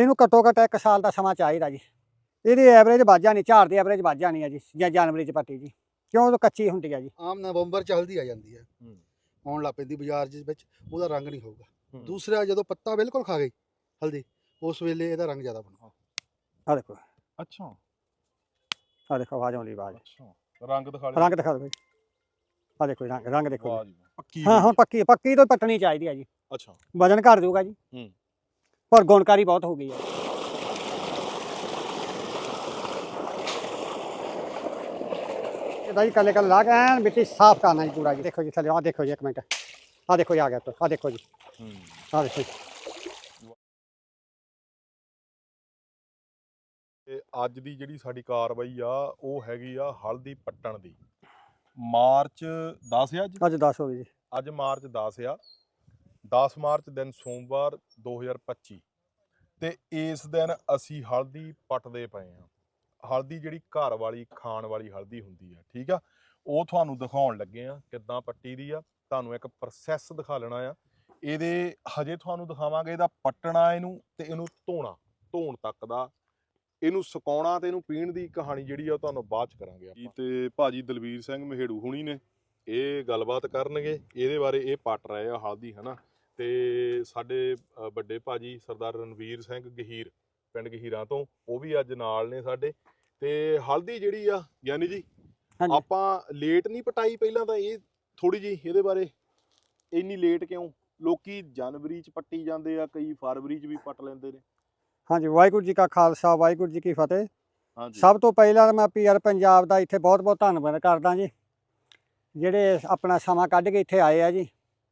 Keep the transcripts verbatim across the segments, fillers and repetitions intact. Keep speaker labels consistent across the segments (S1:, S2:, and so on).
S1: ਇਹਨੂੰ ਘੱਟੋ ਘੱਟ ਇੱਕ ਸਾਲ ਦਾ ਸਮਾਂ ਚਾਹੀਦਾ ਜੀ। ਇਹਦੀ ਐਵਰੇਜ ਵੱਧ ਜਾਣੀ, ਝਾੜ ਦੀ ਐਵਰੇਜ ਵੱਧ ਜਾਣੀ ਹੈ ਜੀ ਜਾਂ ਜਨਵਰੀ 'ਚ ਪੱਟੀ ਜੀ, ਕਿਉਂ ਉਹ ਕੱਚੀ ਹੁੰਦੀ ਹੈ ਜੀ।
S2: ਆਮ ਨਵੰਬਰ 'ਚ ਹਲਦੀ ਆ ਜਾਂਦੀ ਹੈ, ਆਉਣ ਲੱਗ ਪੈਂਦੀ ਬਾਜ਼ਾਰ ਦੇ ਵਿੱਚ, ਉਹਦਾ ਰੰਗ ਨਹੀਂ ਹੋਊਗਾ। ਦੂਸਰਾ ਜਦੋਂ ਪੱਤਾ ਬਿਲਕੁਲ ਖਾ ਗਈ ਹਲਦੀ, ਉਸ ਵੇਲੇ ਇਹਦਾ ਰੰਗ ਜ਼ਿਆਦਾ ਬਣੂਗਾ।
S1: ਆ ਦੇਖੋ,
S3: ਅੱਛਾ
S1: ਆ ਦੇਖੋ ਆਵਾਜ਼ ਆਉਂਦੀ, ਆਵਾਜ਼
S3: ਅੱਛਾ ਰੰਗ ਦਿਖਾ ਲਿਓ,
S1: ਰੰਗ ਦਿਖਾ ਦਿਓ, ਆ ਦੇਖੋ ਰੰਗ, ਰੰਗ ਦੇਖੋ
S3: ਵਾਹ ਜੀ ਪੱਕੀ
S1: ਹਾਂ ਹੁਣ ਪੱਕੀ ਪੱਕੀ ਤੋਂ ਪੱਟਣੀ ਚਾਹੀਦੀ ਹੈ ਜੀ।
S3: ਅੱਛਾ
S1: ਵਜਨ ਘੱਟ ਜਾਊਗਾ ਜੀ,
S3: ਹੂੰ
S1: ਪਰ ਗੁਣਕਾਰੀ ਬਹੁਤ ਹੋ ਗਈ ਹੈ। ਇਹਦਾ ਜੀ ਕੱਲੇ ਕੱਲੇ ਲਾ ਕੇ ਐਨ ਮਿੱਟੀ ਸਾਫ਼ ਕਰਨਾ ਜੀ ਪੂਰਾ ਜੀ। ਦੇਖੋ ਜੀ ਥੱਲੇ, ਆ ਦੇਖੋ ਜੀ ਇੱਕ ਮਿੰਟ, ਆ ਦੇਖੋ ਜੀ ਆ ਗਿਆ, ਆ ਦੇਖੋ ਜੀ,
S3: ਹੂੰ
S1: ਆ ਦੇਖੋ ਜੀ।
S3: ਤੇ ਅੱਜ ਦੀ ਜਿਹੜੀ ਸਾਡੀ ਕਾਰਵਾਈ ਆ ਉਹ ਹੈਗੀ ਆ ਹਲਦੀ ਪੱਟਣ ਦੀ। ਮਾਰਚ ਦਸ ਆ ਅੱਜ
S1: ਅੱਜ ਦਸ ਹੋ ਗਈ ਜੀ।
S3: ਅੱਜ ਮਾਰਚ ਦਸ ਆ, ਦਸ ਮਾਰਚ ਦਿਨ ਸੋਮਵਾਰ ਦੋ ਹਜ਼ਾਰ ਪੱਚੀ, ਤੇ ਇਸ ਦਿਨ ਅਸੀਂ ਹਲਦੀ ਪੱਟਦੇ ਪਏ ਆ। ਹਲਦੀ ਜਿਹੜੀ ਘਰ ਵਾਲੀ ਖਾਣ ਵਾਲੀ ਹਲਦੀ ਹੁੰਦੀ ਆ, ਠੀਕ ਆ, ਉਹ ਤੁਹਾਨੂੰ ਦਿਖਾਉਣ ਲੱਗੇ ਆ ਕਿੱਦਾਂ ਪੱਟੀ ਦੀ ਆ। ਤੁਹਾਨੂੰ ਇੱਕ ਪ੍ਰੋਸੈਸ ਦਿਖਾ ਲੈਣਾ ਆ। ਇਹਦੇ ਹਜੇ ਤੁਹਾਨੂੰ ਦਿਖਾਵਾਂਗੇ ਇਹਦਾ ਪੱਟਣਾ, ਇਹਨੂੰ ਤੇ ਇਹਨੂੰ ਧੋਣਾ, ਧੋਣ ਤੱਕ ਦਾ, ਇਹਨੂੰ ਸੁਕਾਉਣਾ ਤੇ ਇਹਨੂੰ ਪੀਣ ਦੀ ਕਹਾਣੀ ਜਿਹੜੀ ਆ ਉਹ ਤੁਹਾਨੂੰ ਬਾਅਦ ਚ ਕਰਾਂਗੇ ਆਪਾਂ। ਤੇ ਭਾਜੀ ਦਲਵੀਰ ਸਿੰਘ ਮਹੇੜੂ ਹੁਣੀ ਨੇ ਇਹ ਗੱਲਬਾਤ ਕਰਨਗੇ ਇਹਦੇ ਬਾਰੇ। ਇਹ ਪੱਟ ਰਹੇ ਆ ਹਲਦੀ, ਹਨਾ। ਤੇ ਸਾਡੇ ਵੱਡੇ ਭਾਜੀ ਸਰਦਾਰ ਰਣਵੀਰ ਸਿੰਘ ਗਹੀਰ ਪਿੰਡ ਗਹੀਰਾਂ ਤੋਂ, ਉਹ ਵੀ ਅੱਜ ਨਾਲ ਨੇ ਸਾਡੇ। ਤੇ ਹਲਦੀ ਜਿਹੜੀ ਆ ਗਿਆਨੀ ਜੀ, ਆਪਾਂ ਲੇਟ ਨਹੀਂ ਪਟਾਈ ਪਹਿਲਾਂ ਤਾਂ, ਇਹ ਥੋੜੀ ਜੀ ਇਹਦੇ ਬਾਰੇ ਇੰਨੀ ਲੇਟ ਕਿਉਂ? ਲੋਕੀ ਜਨਵਰੀ ਚ ਪੱਟੀ ਜਾਂਦੇ ਆ, ਕਈ ਫਰਵਰੀ ਚ ਵੀ ਪੱਟ ਲੈਂਦੇ ਨੇ।
S1: ਹਾਂਜੀ, ਵਾਹਿਗੁਰੂ ਜੀ ਕਾ ਖਾਲਸਾ, ਵਾਹਿਗੁਰੂ ਜੀ ਕੀ ਫਤਿਹ।
S3: ਹਾਂਜੀ,
S1: ਸਭ ਤੋਂ ਪਹਿਲਾਂ ਮੈਂ ਪੀਆਰ ਪੰਜਾਬ ਦਾ ਇੱਥੇ ਬਹੁਤ ਬਹੁਤ ਧੰਨਵਾਦ ਕਰਦਾ ਜੀ, ਜਿਹੜੇ ਆਪਣਾ ਸਮਾਂ ਕੱਢ ਕੇ ਇੱਥੇ ਆਏ ਆ ਜੀ।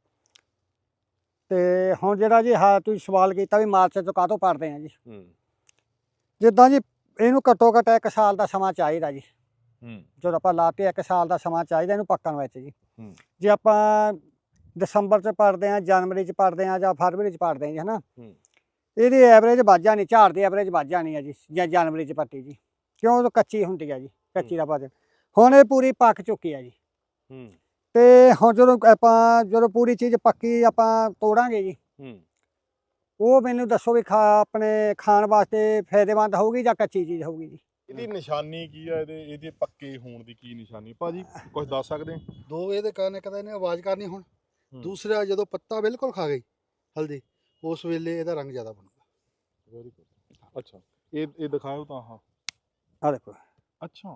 S1: ਤੇ ਹੁਣ ਜਿਹੜਾ ਜੀ ਹਾਂ ਤੁਸੀਂ ਸਵਾਲ ਕੀਤਾ ਵੀ ਮਾਰਚ ਤੋਂ ਕਾਹਤੋਂ ਪੜਦੇ ਆ ਜੀ, ਜਿੱਦਾਂ ਜੀ ਇਹਨੂੰ ਘੱਟੋ ਘੱਟ ਇੱਕ ਸਾਲ ਦਾ ਸਮਾਂ ਚਾਹੀਦਾ ਜੀ। ਜਦੋਂ ਆਪਾਂ ਲਾਤੇ ਇੱਕ ਸਾਲ ਦਾ ਸਮਾਂ ਚਾਹੀਦਾ ਇਹਨੂੰ ਪੱਕਣ ਵਿੱਚ ਜੀ। ਜੇ ਆਪਾਂ ਦਸੰਬਰ 'ਚ ਪੜਦੇ ਆ, ਜਨਵਰੀ 'ਚ ਪੜਦੇ ਆ ਜਾਂ ਫਰਵਰੀ 'ਚ ਪੜਦੇ ਆ ਜੀ, ਹਨਾ, ਇਹਦੀ ਐਵਰੇਜ ਵੱਧ ਜਾਣੀ, ਝਾੜ ਦੀ ਐਵਰੇਜ ਵੱਧ ਜਾਣੀ ਹੈ ਜੀ ਜਾਂ ਜਨਵਰੀ 'ਚ ਪੱਟੀ ਜੀ, ਕਿਉਂ ਉਹ ਕੱਚੀ ਹੁੰਦੀ ਹੈ ਜੀ, ਕੱਚੀ ਦਾ ਵਜਨ। ਹੁਣ ਇਹ ਪੂਰੀ ਪੱਕ ਚੁੱਕੀ ਹੈ ਜੀ। ਤੇ ਹੁਣ ਜਦੋਂ ਆਪਾਂ ਜਦੋਂ ਪੂਰੀ ਚੀਜ਼ ਪੱਕੀ ਆਪਾਂ ਤੋੜਾਂਗੇ ਜੀ, ਉਹ ਮੈਨੂੰ ਦੱਸੋ ਵੀ ਖਾ ਆਪਣੇ ਖਾਣ ਵਾਸਤੇ ਫਾਇਦੇਮੰਦ ਹੋਊਗੀ ਜਾਂ ਕੱਚੀ ਚੀਜ਼ ਹੋਊਗੀ ਜੀ।
S3: ਇਹਦੀ ਨਿਸ਼ਾਨੀ ਕੀ ਆ, ਇਹਦੇ ਇਹਦੇ ਪੱਕੇ ਹੋਣ ਦੀ ਕੀ ਨਿਸ਼ਾਨੀ ਭਾਜੀ, ਕੁਝ ਦੱਸ ਸਕਦੇ?
S2: ਦੋ ਇਹਦੇ ਕਾਰਨ, ਇੱਕ ਤਾਂ ਇਹਨੇ ਆਵਾਜ਼ ਕਰਨੀ ਹੁਣ, ਦੂਸਰਾ ਜਦੋਂ ਪੱਤਾ ਬਿਲਕੁਲ ਖਾ ਗਈ ਹਲਦੀ, ਉਸ ਵੇਲੇ ਇਹਦਾ ਰੰਗ ਜ਼ਿਆਦਾ ਬਣੂਗਾ।
S3: Very good. ਅੱਛਾ ਇਹ ਇਹ ਦਿਖਾਓ ਤਾਂ। ਹਾਂ
S1: ਆ ਦੇਖੋ,
S3: ਅੱਛਾ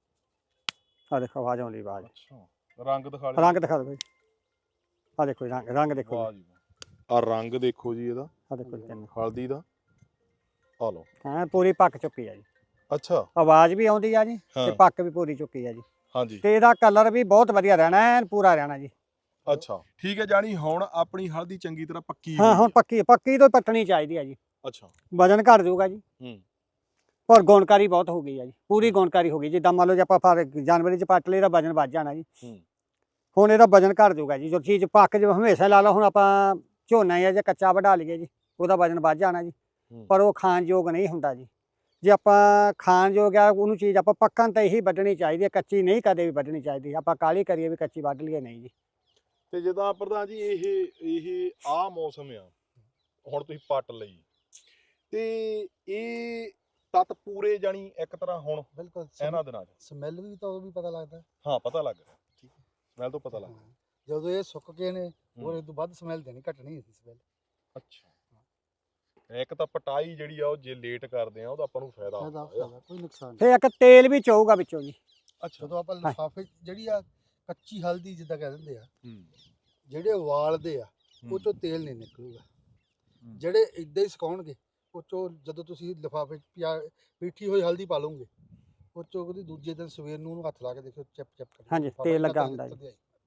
S1: ਆ ਦੇਖੋ ਆਵਾਜ਼ ਆਉਂਦੀ, ਆਵਾਜ਼
S3: ਅੱਛਾ ਰੰਗ ਦਿਖਾ ਲਿਓ,
S1: ਰੰਗ ਦਿਖਾ ਦਿਓ, ਆ ਦੇਖੋ ਰੰਗ, ਰੰਗ ਦੇਖੋ,
S3: ਵਾਹ ਜੀ ਆ ਰੰਗ ਦੇਖੋ ਜੀ ਇਹਦਾ,
S1: ਆ ਦੇਖੋ ਜੀ
S3: ਹਲਦੀ ਦਾ, ਆ ਲਓ।
S1: ਹਾਂ ਪੂਰੀ ਪੱਕ ਚੁੱਕੀ ਹੈ ਜੀ।
S3: ਅੱਛਾ
S1: ਆਵਾਜ਼ ਵੀ ਆਉਂਦੀ ਆ ਜੀ ਤੇ ਪੱਕ ਵੀ ਪੂਰੀ ਚੁੱਕੀ ਹੈ ਜੀ।
S3: ਹਾਂਜੀ,
S1: ਤੇ ਇਹਦਾ ਕਲਰ ਵੀ ਬਹੁਤ ਵਧੀਆ ਰਹਿਣਾ, ਐਨ ਪੂਰਾ ਰਹਿਣਾ ਜੀ।
S3: ਅੱਛਾ ਠੀਕ ਹੈ, ਜਾਨੀ ਹੁਣ ਆਪਣੀ ਹਲਦੀ ਚੰਗੀ ਤਰ੍ਹਾਂ ਪੱਕੀ
S1: ਹਾਂ ਹੁਣ ਪੱਕੀ ਪੱਕੀ ਤੋਂ ਪੱਟਣੀ ਚਾਹੀਦੀ ਹੈ ਜੀ।
S3: ਅੱਛਾ
S1: ਵਜਨ ਘੱਟ ਜਾਊਗਾ ਜੀ,
S3: ਹੂੰ,
S1: ਪਰ ਗੁਣਕਾਰੀ ਬਹੁਤ ਹੋ ਗਈ ਹੈ ਜੀ, ਪੂਰੀ ਗੁਣਕਾਰੀ ਹੋ ਗਈ। ਜਿੱਦਾਂ ਮੰਨ ਲਓ ਜੇ ਆਪਾਂ ਫਰ ਜਨਵਰੀ 'ਚ ਪੱਟ ਲਈ ਇਹਦਾ ਵਜਨ ਵੱਧ ਜਾਣਾ ਜੀ, ਹੁਣ ਇਹਦਾ ਵਜਨ ਘੱਟ ਜਾਊਗਾ ਜੀ। ਜੋ ਚੀਜ਼ ਪੱਕ ਜੇ ਹਮੇਸ਼ਾ ਲਾ ਲਓ, ਹੁਣ ਆਪਾਂ ਝੋਨਾ ਜਾਂ ਜੇ ਕੱਚਾ ਵਢਾ ਲਈਏ ਜੀ, ਉਹਦਾ ਵਜਨ ਵੱਧ ਜਾਣਾ ਜੀ, ਪਰ ਉਹ ਖਾਣ ਯੋਗ ਨਹੀਂ ਹੁੰਦਾ ਜੀ। ਜੇ ਆਪਾਂ ਖਾਣ ਯੋਗ ਆ ਉਹਨੂੰ ਚੀਜ਼ ਆਪਾਂ ਪੱਕਣ ਤੇ ਹੀ ਵੱਢਣੀ ਚਾਹੀਦੀ ਹੈ, ਕੱਚੀ ਨਹੀਂ ਕਦੇ ਵੀ ਵੱਢਣੀ ਚਾਹੀਦੀ। ਆਪਾਂ ਕਾਹਲੀ ਕਰੀਏ ਵੀ ਕੱਚੀ ਵੱਢ ਲਈਏ, ਨਹੀਂ ਜੀ।
S3: ਤੇ ਜਿੱਦਾਂ ਪ੍ਰਧਾਨ ਜੀ ਇਹ ਇਹ ਆਹ ਮੌਸਮ ਆ, ਹੁਣ ਤੁਸੀਂ ਪੱਟ ਲਈ ਤੇ ਇਹ ਤੱਤ ਪੂਰੇ ਜਾਣੀ ਇੱਕ ਤਰ੍ਹਾਂ ਹੁਣ
S2: ਬਿਲਕੁਲ
S3: ਇਹਨਾਂ ਦਿਨਾਂ 'ਚ
S2: ਸਮੈਲ ਵੀ ਤਾਂ ਉਹ ਵੀ ਪਤਾ ਲੱਗਦਾ।
S3: ਹਾਂ ਪਤਾ ਲੱਗ ਰਿਹਾ, ਠੀਕ ਹੈ, ਸਮੈਲ ਤੋਂ ਪਤਾ ਲੱਗ ਰਿਹਾ।
S2: ਜਦੋਂ ਇਹ ਸੁੱਕ ਗਏ ਨੇ ਹੋਰ ਇਹ ਤੋਂ ਵੱਧ ਸਮੈਲ ਦੇਣੀ, ਘਟਣੀ ਸੀ ਸਮੈਲ।
S3: ਅੱਛਾ ਇੱਕ ਤਾਂ ਪਟਾਈ ਜਿਹੜੀ ਆ ਉਹ ਜੇ ਲੇਟ ਕਰਦੇ ਆ ਉਹਦਾ ਆਪਾਂ ਨੂੰ ਫਾਇਦਾ ਹੁੰਦਾ,
S2: ਕੋਈ ਨੁਕਸਾਨ ਨਹੀਂ।
S1: ਤੇ ਇੱਕ ਤੇਲ ਵੀ ਚੋਊਗਾ ਵਿੱਚੋਂ ਜੀ।
S3: ਅੱਛਾ
S2: ਜਦੋਂ ਆਪਾਂ ਲਿਫਾਫੇ ਜਿਹੜੀ ਆ ਕੱਚੀ ਹਲਦੀ ਜਿੱਦਾਂ ਕਹਿ ਦਿੰਦੇ ਆ, ਜਿਹੜੇ ਉਬਾਲਦੇ ਆ ਉਹ ਚੋਂ ਤੇਲ ਨਹੀਂ ਨਿਕਲੂਗਾ। ਜਿਹੜੇ ਇਦਾਂ ਹੀ ਸੁਕਾਉਣਗੇ ਉਹ ਚੋਂ ਜਦੋਂ ਤੁਸੀਂ ਲਿਫਾਫੇ ਪੀਠੀ ਹੋਈ ਹਲਦੀ ਪਾ ਲਓਗੇ, ਉਹ ਚੋਂ ਉਹਦੀ ਦੂਜੇ ਦਿਨ ਸਵੇਰ ਨੂੰ ਉਹਨੂੰ ਹੱਥ ਲਾ ਕੇ ਦੇਖੋ ਚਿਪ ਚਿਪ ਕਰ,
S1: ਹਾਂਜੀ ਤੇਲ ਲੱਗਾ ਹੁੰਦਾ ਜੀ।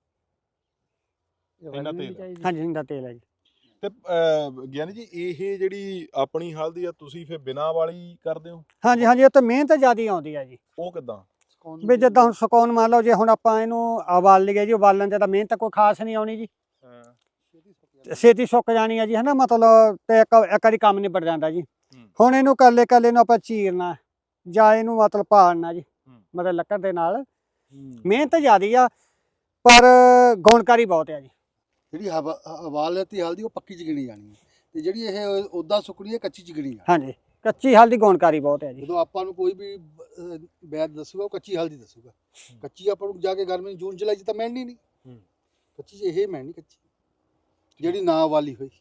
S3: ਇਹਨਾਂ ਤੇਲ
S1: ਹਾਂਜੀ ਇਹਦਾ ਤੇਲ ਹੈ ਜੀ।
S3: ਤੇ ਗਿਆਨੀ ਜੀ ਇਹ ਜਿਹੜੀ ਆਪਣੀ ਹਲਦੀ ਆ ਤੁਸੀਂ ਫਿਰ ਬਿਨਾਂ ਵਾਲੀ ਕਰਦੇ ਹੋ?
S1: ਹਾਂਜੀ ਹਾਂਜੀ, ਇਹ ਤਾਂ ਮਿਹਨਤ ਜ਼ਿਆਦਾ ਆਉਂਦੀ ਹੈ ਜੀ।
S3: ਉਹ ਕਿੱਦਾਂ
S1: ਵੀ ਜਿੱਦਾਂ ਹੁਣ ਸੁਕਾਉਣ ਮੰਨ ਲਓ ਜੇ ਹੁਣ ਆਪਾਂ ਇਹਨੂੰ ਉਬਾਲ ਲਈਏ ਜੀ, ਉਬਾਲਣ ਤੇ ਤਾਂ ਮਿਹਨਤ ਕੋਈ ਖਾਸ ਨਹੀਂ ਆਉਣੀ ਜੀ, ਛੇਤੀ ਸੁੱਕ ਜਾਣੀ ਹੈ ਜੀ, ਹਨਾ, ਮਤਲਬ ਤੇ ਇੱਕ ਇੱਕ ਵਾਰੀ ਕੰਮ ਨਿਬੜ ਜਾਂਦਾ ਜੀ। ਹੁਣ ਇਹਨੂੰ ਕੱਲੇ ਕੱਲੇ ਨੂੰ ਆਪਾਂ ਚੀਰਨਾ ਜਾਂ ਇਹਨੂੰ ਮਤਲਬ ਪਾੜਨਾ ਜੀ, ਮਤਲਬ ਲੱਕੜ ਦੇ ਨਾਲ, ਮਿਹਨਤ ਜ਼ਿਆਦਾ ਆ ਪਰ ਗੁਣਕਾਰੀ ਬਹੁਤ ਹੈ ਜੀ।
S2: ਜਿਹੜੀ ਉਬਾਲ ਲੈਤੀ ਹਲਦੀ ਉਹ ਪੱਕੀ ਚ ਗਿਣੀ ਜਾਣੀ ਹੈ, ਤੇ ਜਿਹੜੀ ਇਹ ਉਦਾਂ ਸੁੱਕਣੀ ਹੈ ਕੱਚੀ ਚਿਗਣੀ ਆ।
S1: ਹਾਂਜੀ ਕੱਚੀ ਹਲਦੀ ਗੁਣਕਾਰੀ ਬਹੁਤ ਹੈ ਜੀ।
S2: ਜਦੋਂ ਆਪਾਂ ਨੂੰ ਕੋਈ ਵੀ ਅਹ, ਵੈਦ ਦੱਸੂਗਾ ਉਹ ਕੱਚੀ ਹਲਦੀ ਦੱਸੂਗਾ। ਕੱਚੀ ਆਪਾਂ ਨੂੰ ਜਾ ਕੇ ਗਰਮੀ ਜੂਨ ਜੁਲਾਈ 'ਚ ਤਾਂ ਮਿਲਣੀ ਨਹੀਂ। ਕੱਚੀ 'ਚ ਇਹ ਮਿਲਣੀ ਕੱਚੀ ਜਿਹੜੀ ਨਾ ਵਾਲੀ ਹੋਈ।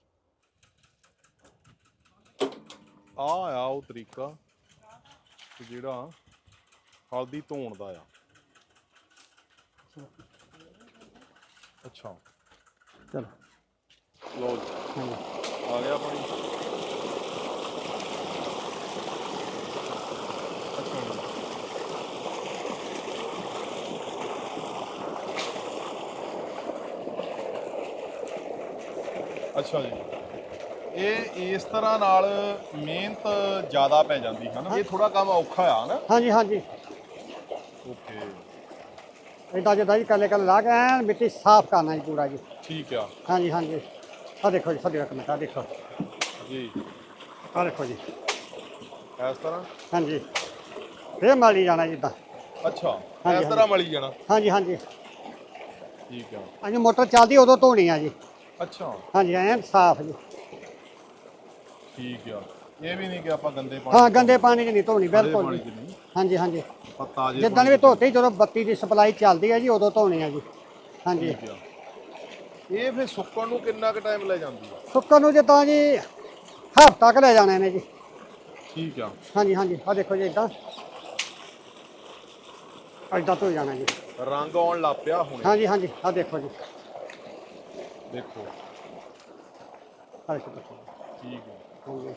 S3: ਆ ਆ ਉਹ ਤਰੀਕਾ ਤੇ ਜਿਹੜਾ ਹਲਦੀ ਧੋਣ ਦਾ ਆ। ਅੱਛਾ
S1: ਚਲੋ
S3: ਲਓ ਜੀ ਆ ਗਿਆ ਪਾਣੀ। ਅੱਛਾ ਜੀ ਅੱਛਾ ਜੀ ਇਹ ਇਸ ਤਰ੍ਹਾਂ ਨਾਲ ਮਿਹਨਤ ਜ਼ਿਆਦਾ ਪੈ ਜਾਂਦੀ ਹੈ ਨਾ। ਇਹ ਥੋੜਾ ਕੰਮ ਔਖਾ ਆ ਨਾ।
S1: ਹਾਂਜੀ ਹਾਂਜੀ
S3: ਓਕੇ
S1: ਇਦਾਂ ਜਿੱਦਾਂ ਜੀ ਕੱਲੇ ਕੱਲੇ ਲਾ ਕੇ ਐਨ ਮਿੱਟੀ ਸਾਫ਼ ਕਰਨਾ ਜੀ ਪੂਰਾ ਜੀ।
S3: ਠੀਕ ਆ
S1: ਹਾਂਜੀ ਹਾਂਜੀ ਆ ਦੇਖੋ ਜੀ ਸਾਡੇ ਇੱਕ ਮਿੰਟ ਆ ਦੇਖੋ
S3: ਜੀ
S1: ਆ ਦੇਖੋ ਜੀ
S3: ਇਸ ਤਰ੍ਹਾਂ।
S1: ਹਾਂਜੀ ਫੇਰ ਮਾਲੀ ਜਾਣਾ ਜਿੱਦਾਂ।
S3: ਅੱਛਾ
S1: ਹਾਂਜੀ,
S3: ਇਸ ਤਰ੍ਹਾਂ ਮਲੀ ਜਾਣਾ।
S1: ਹਾਂਜੀ ਹਾਂਜੀ
S3: ਠੀਕ ਆ
S1: ਹਾਂਜੀ ਮੋਟਰ ਚੱਲਦੀ ਉਦੋਂ ਧੋਣੀ ਆ ਜੀ।
S3: ਅੱਛਾ
S1: ਹਾਂਜੀ ਐਨ ਸਾਫ਼ ਜੀ।
S3: ਠੀਕ ਆ ਇਹ ਵੀ ਨਹੀਂ ਕਿ ਆਪਾਂ ਗੰਦੇ ਪਾਣੀ
S1: ਹਾਂ ਗੰਦੇ ਪਾਣੀ 'ਚ ਨਹੀਂ ਧੋਣੀ
S3: ਖੜੇ
S1: ਬਿਲਕੁਲ
S3: ਪਾਣੀ
S1: ਜੀ।
S3: 'ਚ ਨਹੀਂ
S1: ਹਾਂਜੀ ਹਾਂਜੀ
S3: ਆਪਾਂ ਤਾਜ਼ੇ
S1: ਜਿੱਦਾਂ
S3: ਪਾਣੀ
S1: ਵੀ
S3: 'ਚ
S1: ਧੋਤੀ ਜਦੋਂ ਬੱਤੀ ਦੀ ਸਪਲਾਈ ਚੱਲਦੀ ਹੈ ਜੀ ਉਦੋਂ ਧੋਣੀ ਆ ਜੀ। ਹਾਂਜੀ
S3: ਠੀਕ ਆ ਇਹ ਫਿਰ ਸੁੱਕਣ ਨੂੰ ਕਿੰਨਾ ਕੁ ਟਾਈਮ ਲੈ ਜਾਂਦੀ ਆ?
S1: ਸੁੱਕਣ ਨੂੰ ਜਿੱਦਾਂ ਜੀ ਹਫ਼ਤਾ ਕੁ ਲੈ ਜਾਣੇ ਨੇ ਜੀ।
S3: ਠੀਕ ਆ
S1: ਹਾਂਜੀ ਹਾਂਜੀ ਆ ਦੇਖੋ ਜੀ ਇਦਾਂ ਇਦਾਂ ਧੋ ਜਾਣਾ ਜੀ।
S3: ਰੰਗ ਆਉਣ ਲੱਗ ਪਿਆ ਹੁਣ।
S1: ਹਾਂਜੀ ਹਾਂਜੀ ਆ ਦੇਖੋ ਜੀ
S3: ਦੇਖੋ
S1: ਆ ਦੇਖੋ
S3: ਠੀਕ ਆ
S1: ਹਾਂਜੀ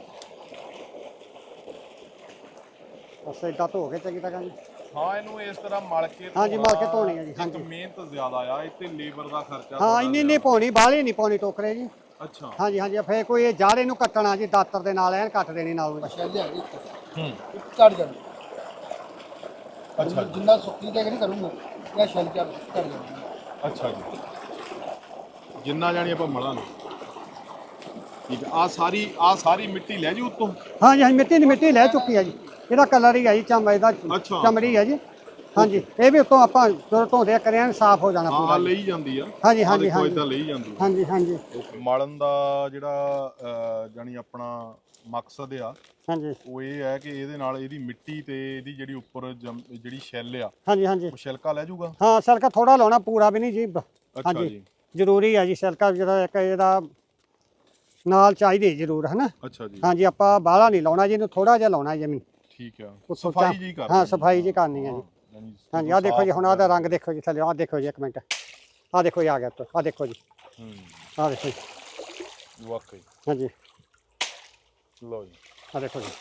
S1: ਬਸ ਇਦਾਂ ਧੋ ਕੇ ਚੰਗੀ ਤਰ੍ਹਾਂ ਜੀ।
S3: ਹਾਂ ਇਹਨੂੰ ਇਸ ਤਰ੍ਹਾਂ ਮਲ ਕੇ
S1: ਹਾਂਜੀ, ਮਲ ਕੇ ਧੋਣੀ ਆ ਜੀ,
S3: ਇੱਕ
S1: ਹਾਂਜੀ।
S3: ਮਿਹਨਤ ਜ਼ਿਆਦਾ ਆ ਇੱਥੇ ਲੇਬਰ ਦਾ ਖਰਚਾ
S1: ਹਾਂ
S3: ਥੋੜ੍ਹਾ
S1: ਇੰਨੀ ਨਹੀਂ
S3: ਜ਼ਿਆਦਾ।
S1: ਪਾਉਣੀ ਬਾਹਲੀ ਨਹੀਂ ਪਾਉਣੀ ਟੋਕਰੇ ਜੀ।
S3: ਅੱਛਾ
S1: ਹਾਂਜੀ ਹਾਂਜੀ ਫੇਰ ਕੋਈ ਇਹ ਜਾੜੇ ਨੂੰ ਕੱਟਣਾ ਜੀ ਦਾਤਰ ਦੇ ਨਾਲ ਐਨ ਕੱਟ ਦੇਣੀ ਨਾਲ
S2: ਅੱਛਾ ਲਿਆ ਇੱਕ
S3: ਹੂੰ
S2: ਝੜ ਜਾਣਾ।
S3: ਅੱਛਾ ਜੀ
S2: ਜਿੰਨਾ ਸੁੱਕੀ ਤੇ ਨਹੀਂ ਕਰੂੰਗਾ ਇਹ ਸ਼ੈਲ ਝੜ ਝੜ ਜਾਣਾ।
S3: ਅੱਛਾ ਜੀ ਜਿੰਨਾ ਜਾਣੀ ਆਪਾਂ ਮਲਾਂਗੇ। ਠੀਕ ਆ ਆਹ ਸਾਰੀ ਆਹ ਸਾਰੀ ਮਿੱਟੀ ਲੈ ਜੀ ਉੱਤੋਂ।
S1: ਹਾਂਜੀ ਹਾਂਜੀ ਮਿੱਟੀ ਨਹੀਂ ਮਿੱਟੀ ਲੈ ਚੁੱਕੀ ਆ ਜੀ। ਇਹਦਾ ਕਲਰ ਹੀ ਆ ਜੀ ਚਮ ਇਹਦਾ
S3: ਅੱਛਾ,
S1: ਚਮੜੀ ਆ ਜੀ। ਹਾਂਜੀ ਇਹ ਵੀ ਉੱਤੋਂ ਆਪਾਂ ਜਦੋਂ ਧੋਦੇ ਕਰਿਆ ਸਾਫ਼ ਹੋ ਜਾਣਾ
S3: ਹਾਂ
S1: ਪੂਰਾ
S3: ਆਹ
S1: ਜੀ।
S3: ਲਈ ਜਾਂਦੀ ਆ।
S1: ਹਾਂਜੀ
S3: ਆਹ
S1: ਹਾਂਜੀ
S3: ਦੇਖੋ
S1: ਹਾਂਜੀ
S3: ਏਦਾਂ ਲਈ ਜਾਂਦੀ ਆ।
S1: ਹਾਂਜੀ ਹਾਂਜੀ
S3: ਓਕੇ ਮਲਣ ਦਾ ਜਿਹੜਾ ਅਹ, ਜਾਣੀ ਆਪਣਾ ਮਕਸਦ ਆ
S1: ਹਾਂਜੀ
S3: ਉਹ ਇਹ ਹੈ ਕਿ ਇਹਦੇ ਨਾਲ ਇਹਦੀ ਮਿੱਟੀ ਤੇ ਇਹਦੀ ਜਿਹੜੀ ਉੱਪਰ ਜੰਮ- ਜਿਹੜੀ ਛਿੱਲ ਆ
S1: ਹਾਂਜੀ ਹਾਂਜੀ
S3: ਉਹ ਛਿਲਕਾ ਲੈ ਜਾਊਗਾ।
S1: ਹਾਂ ਸਿਲਕਾ ਥੋੜਾ ਲਾਉਣਾ ਪੂਰਾ ਵੀ ਨਹੀਂ ਜੀ।
S3: ਅੱਛਾ
S1: ਹਾਂਜੀ
S3: ਜੀ
S1: ਜ਼ਰੂਰੀ ਆ ਜੀ ਸਿਲਕਾ ਜਿਹੜਾ ਇੱਕ ਇਹਦਾ ਨਾਲ ਚਾਹੀਦੀ ਜ਼ਰੂਰ ਹੈ ਨਾ।
S3: ਅੱਛਾ ਜੀ
S1: ਹਾਂਜੀ ਆਪਾਂ ਬਾਹਲਾ ਨਹੀਂ ਲਾਉਣਾ ਜੀ ਇਹਨੂੰ ਥੋੜਾ ਜਿਹਾ ਲਾਉਣਾ ਜਮੀਨ।
S3: ਠੀਕ ਆ
S1: ਉੱਤੋਂ
S3: ਸਫਾਈ
S1: ਚਾ-
S3: ਜੀ ਕਰ
S1: ਹਾਂ ਸਫਾਈ ਜੀ ਕਰਨੀ ਹੈ ਜੀ। ਹਾਂਜੀ ਆਹ ਦੇਖੋ ਜੀ ਹੁਣ ਆਹ ਰੰਗ ਦੇਖੋ ਜੀ ਥੱਲੇ ਆਹ ਦੇਖੋ ਜੀ ਇੱਕ ਮਿੰਟ ਆਹ ਦੇਖੋ ਜੀ ਆ ਗਿਆ ਆਹ ਦੇਖੋ ਜੀ
S3: ਹੂੰ
S1: ਆਹ ਦੇਖੋ ਜੀ
S3: ਵਾਕਈ
S1: ਹਾਂਜੀ
S3: ਲਓ ਜੀ
S1: ਆਹ ਦੇਖੋ ਜੀ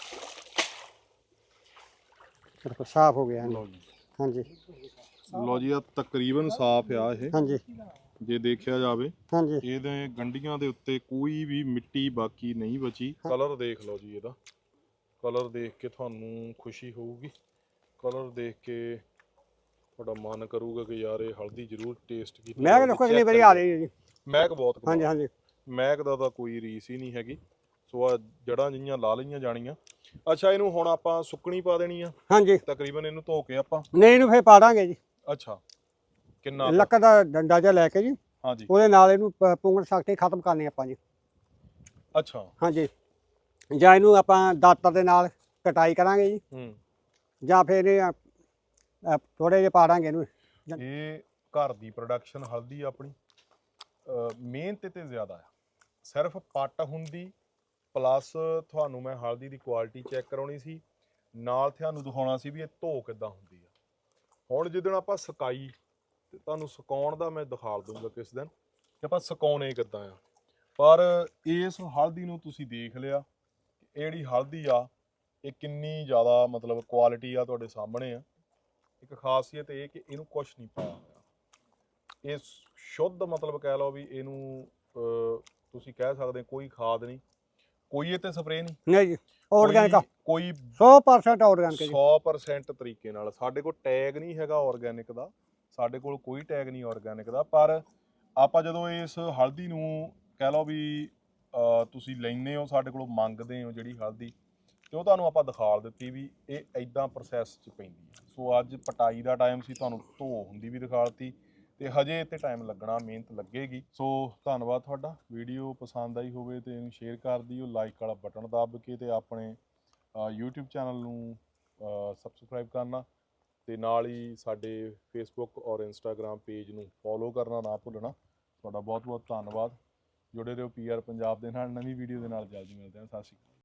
S1: ਆਹ ਦੇਖੋ ਸਾਫ਼ ਹੋ ਗਿਆ ਹਾਂਜੀ
S3: ਲਓ ਜੀ
S1: ਹਾਂਜੀ
S3: ਲਓ ਜੀ ਆ ਤਕਰੀਬਨ ਸਾਫ਼ ਆ ਇਹ
S1: ਹਾਂਜੀ
S3: ਜੇ ਦੇਖਿਆ ਜਾਵੇ।
S1: ਹਾਂਜੀ
S3: ਇਹਦੇ ਗੰਢੀਆਂ ਦੇ ਉੱਤੇ ਕੋਈ ਵੀ ਮਿੱਟੀ ਬਾਕੀ ਨਹੀਂ ਬਚੀ। ਕਲਰ ਦੇਖ ਲਓ ਜੀ ਇਹਦਾ ਕਲਰ ਦੇਖ ਕੇ ਤੁਹਾਨੂੰ ਖੁਸ਼ੀ ਹੋਊਗੀ। ਕਲਰ ਦੇਖ ਕੇ ਤੁਹਾਡਾ ਮਨ ਕਰੂਗਾ ਕਿ ਯਾਰ ਇਹ ਹਲਦੀ ਜ਼ਰੂਰ ਟੇਸਟ ਕੀਤੀ
S1: ਮੈਂ ਕਿਹਾ ਦੇਖੋ ਅਗਲੀ ਵਾਰੀ ਆ ਰਹੀ ਹੈ ਜੀ।
S3: ਮਹਿਕ ਬਹੁਤ
S1: ਹਾਂਜੀ
S3: ਕਮਾਲ।
S1: ਹਾਂਜੀ
S3: ਮਹਿਕ ਦਾ ਤਾਂ ਕੋਈ ਰੀਸ ਹੀ ਨਹੀਂ ਹੈਗੀ। ਸੋ ਆ ਜੜਾਂ ਜਿਹੀਆਂ ਲਾ ਲਈਆਂ ਜਾਣੀਆਂ। ਅੱਛਾ ਇਹਨੂੰ ਹੁਣ ਆਪਾਂ ਸੁੱਕਣੀ ਪਾ ਦੇਣੀ ਆ
S1: ਹਾਂਜੀ
S3: ਤਕਰੀਬਨ ਇਹਨੂੰ ਧੋ ਕੇ ਆਪਾਂ।
S1: ਨਹੀਂ ਇਹਨੂੰ ਫੇਰ ਪਾ ਦਾਂਗੇ ਜੀ
S3: ਅੱਛਾ ਕਿੰਨਾ ਕੁ?
S1: ਲੱਕੜ ਦਾ ਡੰਡਾ ਜਿਹਾ ਲੈ ਕੇ ਜੀ
S3: ਹਾਂਜੀ
S1: ਉਹਦੇ ਨਾਲ ਇਹਨੂੰ ਪ- ਪੁੰਗੜ ਸਖਤੀ ਖਤਮ ਕਰਨੀ ਆਪਾਂ ਜੀ।
S3: ਅੱਛਾ
S1: ਹਾਂਜੀ ਜਾਂ ਇਹਨੂੰ ਆਪਾਂ ਦਾਤਰ ਦੇ ਨਾਲ ਕਟਾਈ ਕਰਾਂਗੇ ਜੀ
S3: ਹੂੰ
S1: ਜਾਂ ਫਿਰ ਇਹ ਥੋੜੇ ਜਿਹੇ ਪਾ ਦਾਂਗੇ ਇਹਨੂੰ।
S3: ਇਹ ਘਰ ਦੀ ਪ੍ਰੋਡਕਸ਼ਨ ਹਲਦੀ ਆਪਣੀ ਅਹ ਮਿਹਨਤ ਤੇ ਜ਼ਿਆਦਾ ਆ। ਸਿਰਫ ਪੱਟ ਹੁੰਦੀ ਪਲੱਸ ਤੁਹਾਨੂੰ ਮੈਂ ਹਲਦੀ ਦੀ ਕੁਆਲਿਟੀ ਚੈੱਕ ਕਰਾਉਣੀ ਸੀ ਨਾਲ ਤੁਹਾਨੂੰ ਦਿਖਾਉਣਾ ਸੀ ਵੀ ਇਹ ਧੋ ਕਿੱਦਾਂ ਹੁੰਦੀ ਆ। ਹੁਣ ਜਿੱਦਣ ਆਪਾਂ ਸੁਕਾਈ ਤੇ ਤੁਹਾਨੂੰ ਸੁਕਾਉਣ ਦਾ ਮੈਂ ਦਿਖਾ ਦੂੰਗਾ ਕਿਸ ਦਿਨ ਕਿ ਆਪਾਂ ਸੁਕਾਉਣੇ ਕਿੱਦਾਂ ਆ। ਪਰ ਇਸ ਹਲਦੀ ਨੂੰ ਤੁਸੀਂ ਦੇਖ ਲਿਆ ਇਹ ਜਿਹੜੀ ਹਲਦੀ ਆ ਇਹ ਕਿੰਨੀ ਜ਼ਿਆਦਾ ਮਤਲਬ ਕੁਆਲਿਟੀ ਆ ਤੁਹਾਡੇ ਸਾਹਮਣੇ ਆ। ਇੱਕ ਖਾਸੀਅਤ ਇਹ ਕਿ ਇਹਨੂੰ ਕੁਛ ਨਹੀਂ ਪਾਇਆ ਹੋਇਆ। ਇਹ ਸ਼ੁੱਧ ਮਤਲਬ ਕਹਿ ਲਓ ਵੀ ਇਹਨੂੰ ਅਹ, ਤੁਸੀਂ ਕਹਿ ਸਕਦੇ ਕੋਈ ਖਾਦ ਨਹੀਂ ਕੋਈ ਇਹ ਤੇ ਸਪਰੇਅ ਨਹੀਂ
S1: ਨਹੀਂ ਜੀ ਆਰਗੈਨਿਕ
S3: ਕੋਈ
S1: ਸੌ ਪਰਸੈਂਟ ਆਰਗੈਨਿਕ ਜੀ।
S3: ਸੌ ਪਰਸੈਂਟ ਤਰੀਕੇ ਨਾਲ। ਸਾਡੇ ਕੋਲ ਟੈਗ ਨਹੀਂ ਹੈਗਾ ਆਰਗੈਨਿਕ ਦਾ। ਸਾਡੇ ਕੋਲ ਕੋਈ ਟੈਗ ਨਹੀਂ ਆਰਗੈਨਿਕ ਦਾ। ਪਰ ਆਪਾਂ ਜਦੋਂ ਇਸ ਹਲਦੀ ਨੂੰ ਕਹਿ ਲਓ ਵੀ ਅਹ, ਤੁਸੀਂ ਲੈਂਦੇ ਹੋ ਸਾਡੇ ਕੋਲੋਂ ਮੰਗਦੇ ਹੋ ਜਿਹੜੀ ਹਲਦੀ ਤੇ ਉਹ ਤੁਹਾਨੂੰ ਆਪਾਂ ਦਿਖਾ ਦਿੱਤੀ ਵੀ ਇਹ ਐਦਾਂ ਪ੍ਰੋਸੈਸ 'ਚ ਪੈਂਦੀ ਹੈ। ਸੋ ਅੱਜ ਪਟਾਈ ਦਾ ਟਾਈਮ ਸੀ ਤੁਹਾਨੂੰ ਧੋ ਹੁੰਦੀ ਵੀ ਦਿਖਾ ਦਿੱਤੀ ਤੇ ਹਜੇ ਤੇ ਟਾਈਮ ਲੱਗਣਾ, ਮਿਹਨਤ ਲੱਗੇਗੀ। ਸੋ ਧੰਨਵਾਦ ਤੁਹਾਡਾ। ਵੀਡੀਓ ਪਸੰਦ ਆਈ ਹੋਵੇ ਤੇ ਇਹਨੂੰ ਸ਼ੇਅਰ ਕਰ ਦਿਓ, ਲਾਈਕ ਵਾਲਾ ਬਟਨ ਦੱਬ ਕੇ, ਤੇ ਆਪਣੇ YouTube ਚੈਨਲ ਨੂੰ ਸਬਸਕ੍ਰਾਈਬ ਕਰਨਾ, ਤੇ ਨਾਲ ਹੀ ਸਾਡੇ ਫੇਸਬੁੱਕ ਔਰ ਇੰਸਟਾਗ੍ਰਾਮ ਪੇਜ ਨੂੰ ਫੋਲੋ ਕਰਨਾ ਨਾ ਭੁੱਲਣਾ। ਤੁਹਾਡਾ ਬਹੁਤ ਬਹੁਤ ਧੰਨਵਾਦ। ਜੁੜੇ ਰਹੋ ਪੀ ਆਰ ਪੰਜਾਬ ਦੇ ਨਾਲ। ਨਵੀਂ ਵੀਡੀਓ ਦੇ ਨਾਲ ਜਲਦੀ ਮਿਲਦੇ ਹਾਂ। ਸਤਿ ਸ਼੍ਰੀ ਅਕਾਲ।